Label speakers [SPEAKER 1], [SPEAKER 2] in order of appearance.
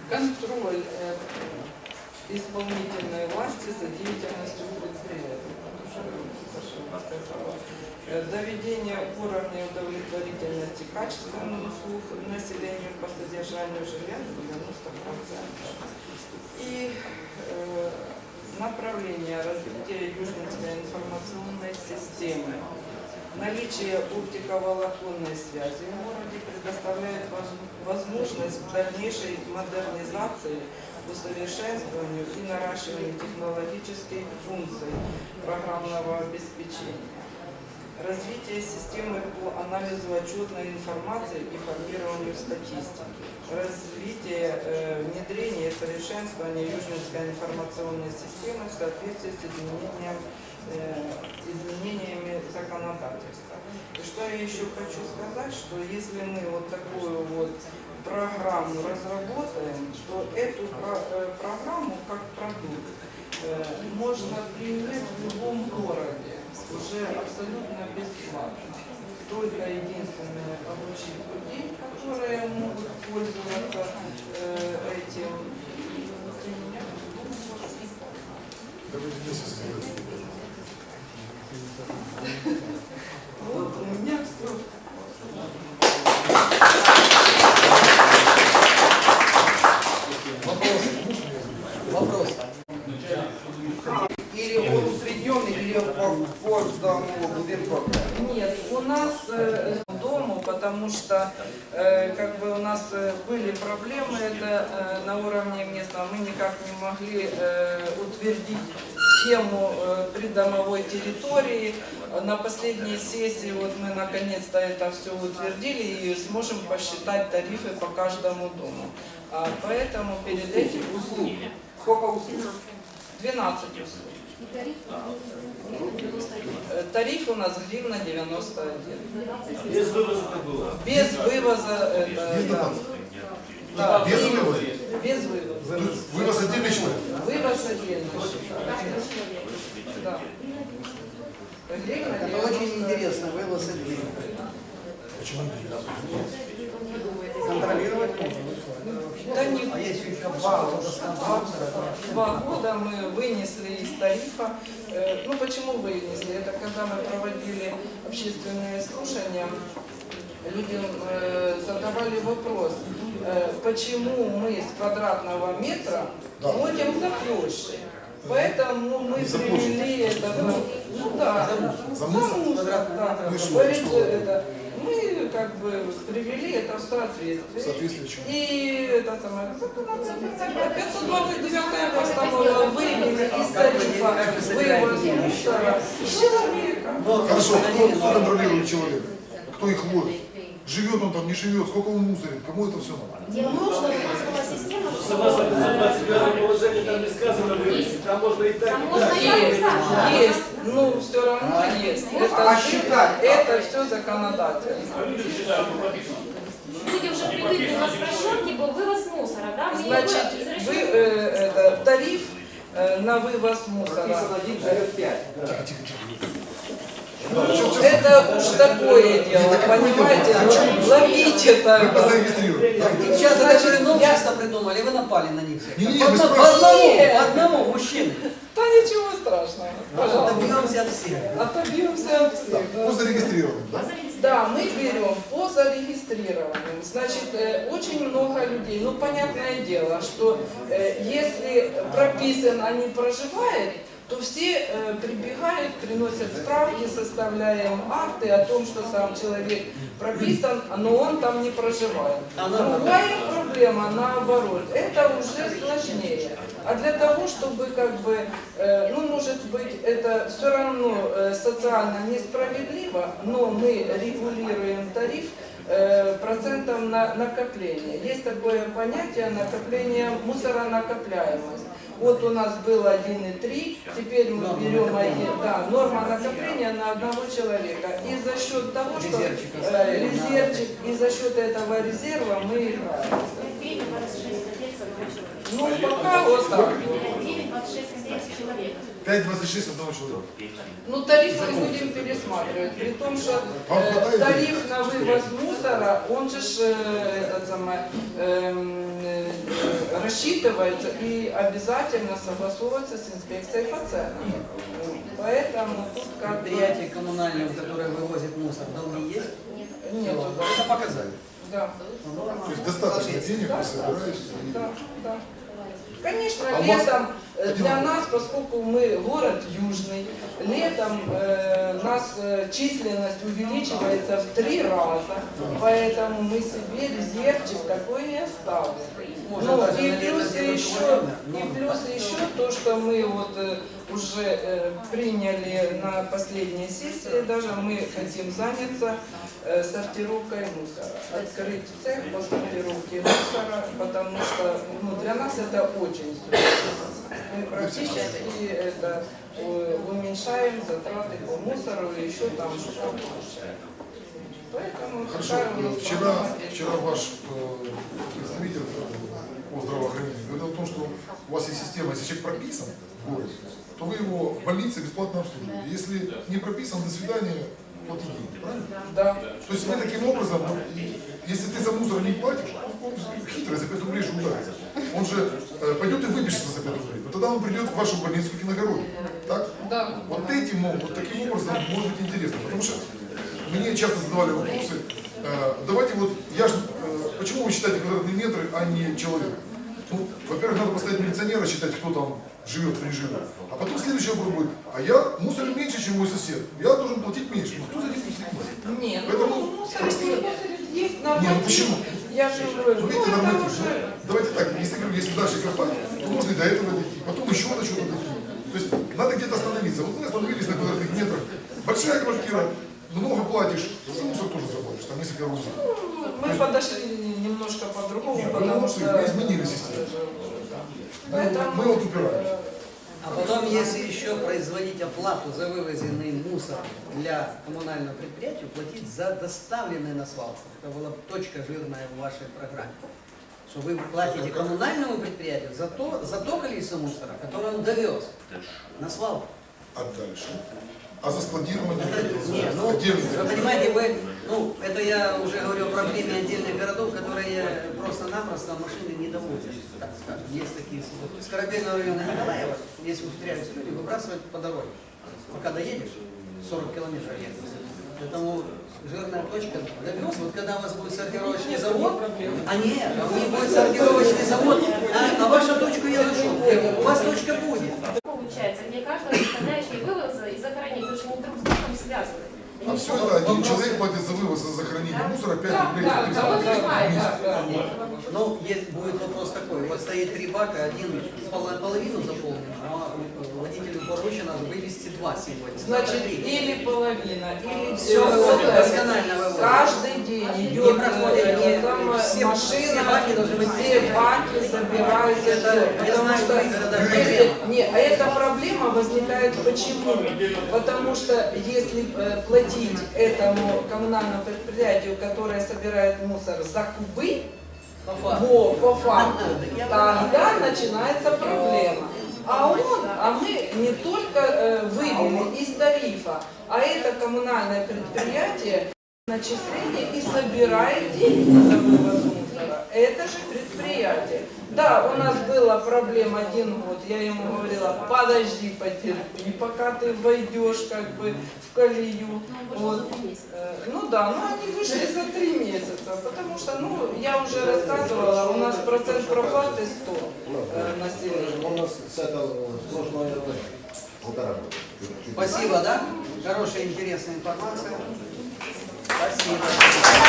[SPEAKER 1] контроль исполнительной власти за деятельностью предприятия. Доведение уровня удовлетворительности качественных услуг населению по содержанию жилья на 90%. И направление развития Южнинской информационной системы. Наличие оптиковолоконной связи в городе предоставляет возможность к дальнейшей модернизации, усовершенствованию и наращиванию технологических функций программного обеспечения. Развитие системы по анализу отчетной информации и формированию статистики. Развитие, внедрение и совершенствование Южнинской информационной системы в соответствии с изменениями законодательства. И что я еще хочу сказать, что если мы вот такую вот программу разработаем, то эту программу как продукт можно применять в любом городе уже абсолютно бесплатно. Только единственное обучить людей, которые могут пользоваться этим. Вот у меня все.
[SPEAKER 2] Вопрос.
[SPEAKER 3] Или он усредненный, или по будинку?
[SPEAKER 1] Нет, у нас дому, потому что как бы у нас были проблемы это на уровне местного, мы никак не могли утвердить схему придомовой территории. На последней сессии вот мы наконец-то это все утвердили и сможем посчитать тарифы по каждому дому. Поэтому перед этим
[SPEAKER 3] услуг. Сколько услуг?
[SPEAKER 1] 12 услуг. Тариф у нас гривна 91.
[SPEAKER 4] Без вывоза это было?
[SPEAKER 1] Без вывоза это...
[SPEAKER 5] Без дотации?
[SPEAKER 1] Да,
[SPEAKER 5] Без вывоза?
[SPEAKER 1] Без вывоза.
[SPEAKER 5] Вывоз отдельный человек?
[SPEAKER 1] Вывоз отдельно. Да. Гривна
[SPEAKER 2] Это
[SPEAKER 1] 91.
[SPEAKER 2] очень интересно, вывоз отдельно.
[SPEAKER 5] Почему интересно?
[SPEAKER 2] Контролировать можно?
[SPEAKER 1] Да не
[SPEAKER 2] А если еще 2 года скандала?
[SPEAKER 1] 2 года мы вынесли из тарифа. Ну почему вынесли? Это когда мы проводили общественные слушания, людям задавали вопрос, почему мы с квадратного метра платим за площадь. Поэтому мы привели это, ну да,
[SPEAKER 5] За мусор?
[SPEAKER 1] да. Говорит, это, мы как бы привели это в соответствие.
[SPEAKER 5] Соответствие чему?
[SPEAKER 1] И это самое, 529 постанова вывели из тарифа вывоз мусора человека.
[SPEAKER 5] Хорошо, кто контролирует человека? Кто их ловит? Живет он там, не живет, сколько он мусорит, кому это все надо?
[SPEAKER 6] Нужно вывозная система,
[SPEAKER 4] Согласно 529 положению, там не сказано вывести, там можно и так, и так.
[SPEAKER 1] Есть, ну все равно есть. Это все законодательство.
[SPEAKER 4] Люди считают, что написано.
[SPEAKER 6] Люди уже привыкли на спрощенке был вывоз мусора, да? Мы
[SPEAKER 1] Значит, тариф на вывоз мусора.
[SPEAKER 3] Написано 1 живет 5.
[SPEAKER 1] Это уж такое дело, понимаете, ловить
[SPEAKER 5] Вы
[SPEAKER 1] это.
[SPEAKER 5] зарегистрируете.
[SPEAKER 2] Сейчас даже новшество придумали, вы напали на них всех.
[SPEAKER 5] Не-не-не,
[SPEAKER 2] По
[SPEAKER 5] без
[SPEAKER 2] одному, мужчины.
[SPEAKER 1] Да ничего страшного, пожалуйста.
[SPEAKER 2] Добьемся от всех.
[SPEAKER 1] Отобьемся от всех.
[SPEAKER 5] Кто зарегистрирован, да?
[SPEAKER 1] Да, мы берем по зарегистрированным. Значит, очень много людей. Ну, понятное дело, что если прописан, а не проживает, то все прибегают, приносят справки, составляем акты о том, что сам человек прописан, но он там не проживает. Другая проблема, наоборот, это уже сложнее. А для того, чтобы как бы, ну, может быть, это все равно социально несправедливо, но мы регулируем тариф процентом на накопление. Есть такое понятие накопление, мусоронакопляемость. Вот у нас было 1,3, теперь мы берем норма накопления на одного человека. И за счет того, что резервчик, и за счет этого резерва мы играем.
[SPEAKER 6] гривен 26 копеек с одного человека.
[SPEAKER 1] Ну, пока вот так.
[SPEAKER 6] 9,26 копеек с человека.
[SPEAKER 5] 5,26 одного человека.
[SPEAKER 1] Ну, тариф мы будем пересматривать, при том, что
[SPEAKER 5] Вам хватает
[SPEAKER 1] тариф на вывоз мусора, он же рассчитывается и обязательно согласовывается с инспекцией по ценам. Поэтому тут как бы...
[SPEAKER 2] Предприятие коммунальное, которое вывозит мусор, долги есть?
[SPEAKER 1] Нету, да.
[SPEAKER 2] Это показали.
[SPEAKER 1] Да.
[SPEAKER 5] То есть достаточно денег вы собираете.
[SPEAKER 1] Да, да. Конечно,
[SPEAKER 5] А у вас-
[SPEAKER 1] летом для нас, поскольку мы город южный, летом нас численность увеличивается в 3 раза, поэтому мы себе резервчик такой не оставим.
[SPEAKER 2] Можно
[SPEAKER 1] Ну,
[SPEAKER 2] даже
[SPEAKER 1] и
[SPEAKER 2] на лето
[SPEAKER 1] плюс
[SPEAKER 2] сделать
[SPEAKER 1] еще,
[SPEAKER 2] холодно.
[SPEAKER 1] то, что мы вот уже приняли на последней сессии, даже мы хотим заняться сортировкой мусора, открыть цех по сортировке мусора, потому что ну, для нас это очень существенно. Мы практически это уменьшаем затраты по мусору и еще там что-то получаем. Поэтому
[SPEAKER 5] Хорошо,
[SPEAKER 1] такая у нас
[SPEAKER 5] вчера ваш представитель по здравоохранению говорил о том, что у вас есть система, если человек прописан в городе, то вы его в больнице бесплатно обслуживаете. Если не прописан, до свидания, платите деньги, правильно?
[SPEAKER 1] Да.
[SPEAKER 5] То есть вы таким образом, если ты за мусор не платишь, он хитрый, за 5 рублей же ударится. Он же пойдет и выпишется за 5 рублей. Но тогда он придет в вашу больницу в Киногороде. Так?
[SPEAKER 1] Да.
[SPEAKER 5] Вот таким образом может быть интересно. Потому что мне часто задавали вопросы. Давайте вот, почему вы считаете квадратные метры, а не человек? Ну, во-первых, надо поставить милиционера, считать, кто там живет, кто не живет. А потом следующий вопрос будет, а я мусорю меньше, чем мой сосед. Я должен платить меньше. Ну, кто за этим следит?
[SPEAKER 1] Нет,
[SPEAKER 5] Поэтому
[SPEAKER 1] ну, мусорить есть
[SPEAKER 5] Не,
[SPEAKER 1] норматив.
[SPEAKER 5] ну почему?
[SPEAKER 1] Я же говорю,
[SPEAKER 5] Ну, видите,
[SPEAKER 1] это
[SPEAKER 5] норматив.
[SPEAKER 1] уже...
[SPEAKER 5] Давайте так, если дальше копать, то можно и до этого дойти, потом еще до чего-то дойти. То есть надо где-то остановиться. Вот мы остановились на квадратных метрах. Большая квартира, много платишь, за мусор тоже заплатишь, там несколько рублей.
[SPEAKER 1] Мы подошли немножко по-другому,
[SPEAKER 5] Нет,
[SPEAKER 1] потому что...
[SPEAKER 5] мы изменили систему.
[SPEAKER 1] Поэтому...
[SPEAKER 5] Мы вот упираем.
[SPEAKER 2] А потом, если еще производить оплату за вывозенный мусор для коммунального предприятия, платить за доставленный на свалку. Это была точка жирная в вашей программе. Что вы платите коммунальному предприятию за то количество мусора, которое он довез на свалку.
[SPEAKER 5] А дальше? А за складирование?
[SPEAKER 2] Не, ну,
[SPEAKER 5] Отдельно.
[SPEAKER 2] вы понимаете, это я уже говорю о проблеме отдельных городов, которые просто-напросто машины не довозят, так скажем. Есть такие случаи. С Корабельного района Николаева, если ухитряются люди, выбрасывать по дороге. Пока доедешь, 40 километров ехать. Поэтому жирная точка довез. Вот когда у вас будет сортировочный завод, а нет, у них будет сортировочный завод, а вашу точку я нашел. У вас точка будет.
[SPEAKER 6] Получается, где каждого составляющего вывоза и захоронения, потому что они друг с другом связаны.
[SPEAKER 5] А все это один человек платит за вывоз, за захоронение мусора 5 рублей.
[SPEAKER 1] Да,
[SPEAKER 5] в
[SPEAKER 1] да,
[SPEAKER 5] месяц.
[SPEAKER 1] да.
[SPEAKER 2] Ну, будет вопрос такой. Вот стоит 3 бака, один половину заполнен, а водителю поручено вывести 2 сегодня.
[SPEAKER 1] Значит,
[SPEAKER 2] 3.
[SPEAKER 1] или половина, или
[SPEAKER 2] Всё,
[SPEAKER 1] вот это.
[SPEAKER 2] досконально выводит.
[SPEAKER 1] Каждый день идет
[SPEAKER 2] Не проходит,
[SPEAKER 1] там
[SPEAKER 2] все
[SPEAKER 1] машина,
[SPEAKER 2] баки должны быть
[SPEAKER 1] все баки собираются.
[SPEAKER 2] Это, я
[SPEAKER 1] Потому
[SPEAKER 2] знаю,
[SPEAKER 1] что
[SPEAKER 2] в городах
[SPEAKER 1] если,
[SPEAKER 2] проблема.
[SPEAKER 1] не, а эта проблема возникает почему? Потому что если платить этому коммунальному предприятию, которое собирает мусор за кубы,
[SPEAKER 2] По факту.
[SPEAKER 1] по факту, тогда начинается проблема. А мы не только вывели из тарифа, а это коммунальное предприятие начисление и собирает деньги за вывоз мусора. Это же предприятие. Да, у нас была проблема 1 год, я ему говорила, подожди, потерпи, пока ты войдешь как бы в колею. Вот. Ну да, но они вышли за 3 месяца, потому что, ну, я уже рассказывала, у нас процент проплаты 100 населения.
[SPEAKER 7] У нас с этого прошлое 1,5 года.
[SPEAKER 2] Спасибо, да? Хорошая, интересная информация. Спасибо.